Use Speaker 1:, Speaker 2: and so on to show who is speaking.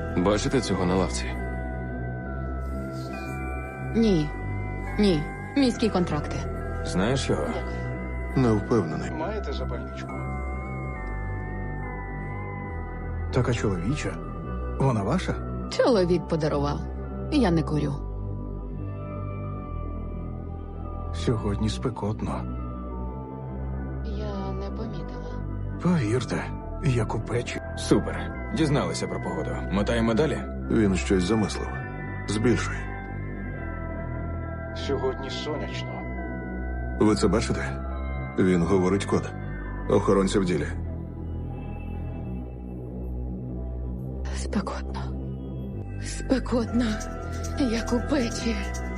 Speaker 1: Бачите цього на лавці?
Speaker 2: Ні. Ні. Міські контракти.
Speaker 1: Знаєш його?
Speaker 3: Не впевнений.
Speaker 4: Маєте запальничку?
Speaker 5: Така чоловіча. Вона ваша?
Speaker 2: Чоловік подарував. Я не курю.
Speaker 5: Сьогодні спекотно.
Speaker 2: Я не помітила.
Speaker 5: Повірте, як у печі.
Speaker 1: Супер. Дізналися про погоду. Мотаємо далі?
Speaker 3: Він щось замислив. Збільшуй.
Speaker 4: Сьогодні сонячно.
Speaker 3: Ви це бачите? Він говорить код. Охоронці в ділі.
Speaker 2: Спекотно. Спекотно, як у печі.